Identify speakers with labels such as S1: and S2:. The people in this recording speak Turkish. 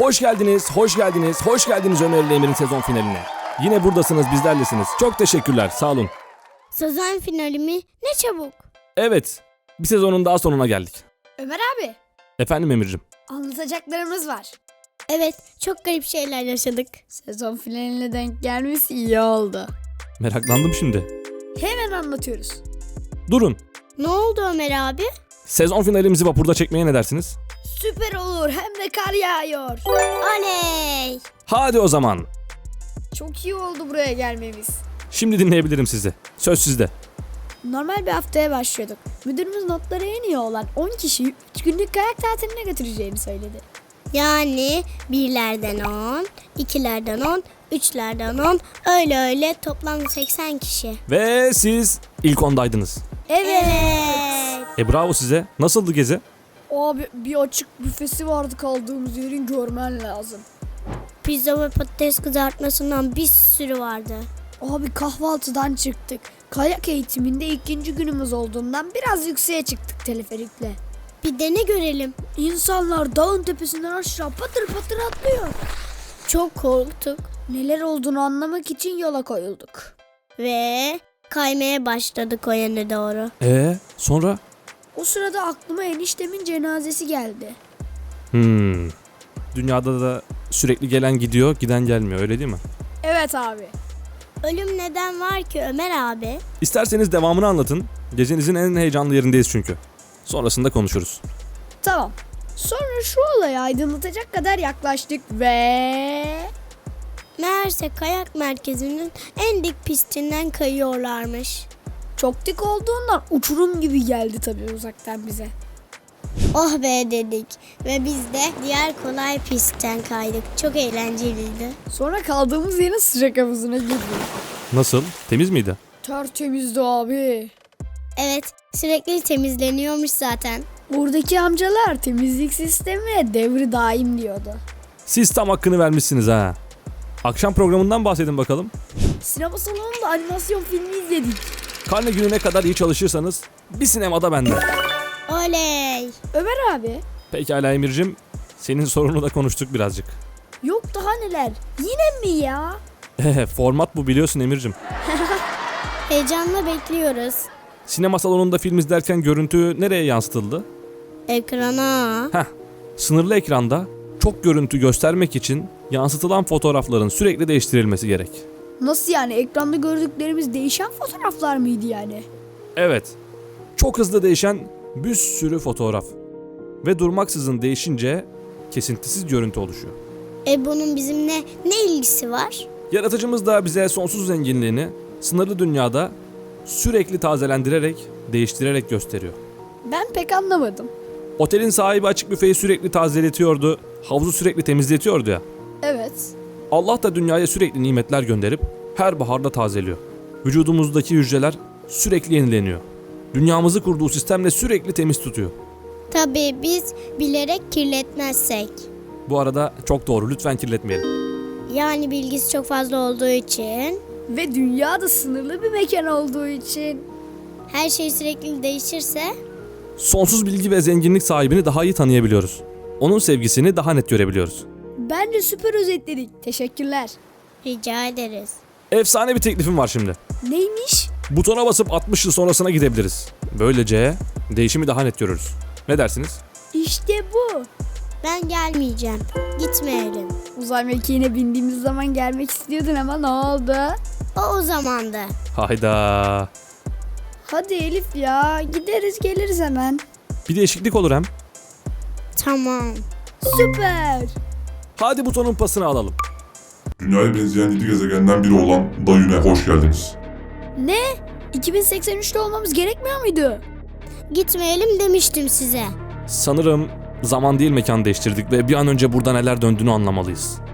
S1: Hoş geldiniz, hoş geldiniz, hoş geldiniz Ömer ile Emir'in sezon finaline. Yine buradasınız, bizlerlesiniz. Çok teşekkürler, sağ olun.
S2: Sezon finali mi? Ne çabuk.
S1: Evet, bir sezonun daha sonuna geldik.
S3: Ömer abi,
S1: Efendim Emir'cim.
S3: anlatacaklarımız var.
S2: Evet, çok garip şeyler yaşadık.
S3: Sezon finaline denk gelmesi iyi oldu.
S1: Meraklandım şimdi.
S3: Hemen anlatıyoruz.
S1: Durun,
S2: Ne oldu Ömer abi?
S1: sezon finalimizi vapurda çekmeye ne dersiniz?
S3: Süper olur, hem de kar yağıyor.
S2: Oley!
S1: Hadi o zaman.
S3: Çok iyi oldu buraya gelmemiz.
S1: Şimdi dinleyebilirim sizi. Söz sizde.
S3: Normal bir haftaya başlıyorduk. Müdürümüz notları en iyi olan 10 kişiyi 3 günlük kayak tatiline götüreceğini söyledi.
S2: Yani birlerden 10, ikilerden 10, üçlerden 10, öyle toplam 80 kişi.
S1: Ve siz ilk ondaydınız.
S3: Evet.
S1: Bravo size. Nasıldı gezi?
S3: Abi bir açık büfesi vardı, kaldığımız yerin görmen lazım.
S2: Pizza ve patates kızartmasından bir sürü vardı.
S3: Abi kahvaltıdan çıktık. Kayak eğitiminde ikinci günümüz olduğundan biraz yükseğe çıktık teleferikle.
S2: Bir de ne görelim?
S3: İnsanlar dağın tepesinden aşağı patır patır atlıyor.
S2: Çok korktuk
S3: Neler olduğunu anlamak için yola koyulduk.
S2: ve kaymaya başladık o yöne doğru.
S1: Sonra?
S3: O sırada aklıma eniştemin cenazesi geldi.
S1: Dünyada da sürekli gelen gidiyor, giden gelmiyor, öyle değil mi?
S3: Evet abi.
S2: Ölüm neden var ki Ömer abi?
S1: İsterseniz devamını anlatın. Gezinizin en heyecanlı yerindeyiz çünkü. Sonrasında konuşuruz.
S3: Tamam. Sonra şu olayı aydınlatacak kadar yaklaştık ve...
S2: Meğerse kayak merkezinin en dik pistinden kayıyorlarmış.
S3: Çok dik olduğundan uçurum gibi geldi tabii uzaktan bize.
S2: Oh be dedik ve biz de diğer kolay pistten kaydık. Çok eğlenceliydi.
S3: Sonra kaldığımız yerin sıcak havuzuna girdik.
S1: Nasıl? Temiz miydi?
S3: Tertemizdi abi.
S2: Evet, sürekli temizleniyormuş zaten.
S3: Oradaki amcalar temizlik sistemi devri daim diyordu.
S1: Siz tam hakkını vermişsiniz ha. Akşam programından bahsedin bakalım.
S3: Sinema salonunda animasyon filmi izledik.
S1: Karne gününe kadar iyi çalışırsanız bir sinemada bende.
S2: Oley!
S3: Ömer abi,
S1: Pekala Emir'cim, senin sorunu da konuştuk birazcık.
S3: yok daha neler. Yine mi ya?
S1: Format bu, biliyorsun Emir'cim.
S2: Heyecanla bekliyoruz.
S1: Sinema salonunda film izlerken görüntü nereye yansıtıldı?
S2: Ekrana.
S1: Sınırlı ekranda çok görüntü göstermek için yansıtılan fotoğrafların sürekli değiştirilmesi gerek.
S3: Nasıl yani? Ekranda gördüklerimiz değişen fotoğraflar mıydı yani?
S1: Evet, çok hızlı değişen bir sürü fotoğraf. Ve durmaksızın değişince kesintisiz görüntü oluşuyor.
S2: Bunun bizimle ne ilgisi var?
S1: Yaratıcımız da bize sonsuz zenginliğini sınırlı dünyada sürekli tazelendirerek, değiştirerek gösteriyor.
S3: Ben pek anlamadım.
S1: Otelin sahibi açık büfeyi sürekli tazeletiyordu, havuzu sürekli temizletiyordu ya.
S3: Evet.
S1: Allah da dünyaya sürekli nimetler gönderip her baharda tazeliyor. Vücudumuzdaki hücreler sürekli yenileniyor. Dünyamızı kurduğu sistemle sürekli temiz tutuyor.
S2: Tabii biz bilerek kirletmezsek.
S1: Bu arada çok doğru, lütfen kirletmeyelim.
S2: Yani bilgisi çok fazla olduğu için,
S3: Ve dünya da sınırlı bir mekan olduğu için.
S2: her şey sürekli değişirse
S1: Sonsuz bilgi ve zenginlik sahibini daha iyi tanıyabiliyoruz. Onun sevgisini daha net görebiliyoruz.
S3: Bence süper özetledik. Teşekkürler.
S2: rica ederiz.
S1: Efsane bir teklifim var şimdi.
S3: Neymiş?
S1: Butona basıp 60 yıl sonrasına gidebiliriz. Böylece değişimi daha net görürüz. Ne dersiniz?
S3: İşte bu.
S2: Ben gelmeyeceğim. Gitmeyelim.
S3: Uzay mekiğine bindiğimiz zaman gelmek istiyordun ama ne oldu?
S2: O zamandı.
S1: Hayda.
S3: Hadi Elif ya, gideriz geliriz hemen.
S1: Bir değişiklik olur hem.
S2: Tamam.
S3: Süper.
S1: Hadi butonun pasını alalım.
S4: Dünyaya benzeyen 7 gezegenden biri olan Dayun'e hoş geldiniz.
S3: Ne? 2083'te olmamız gerekmiyor muydu?
S2: Gitmeyelim demiştim size.
S1: Sanırım zaman değil mekan değiştirdik ve bir an önce burada neler döndüğünü anlamalıyız.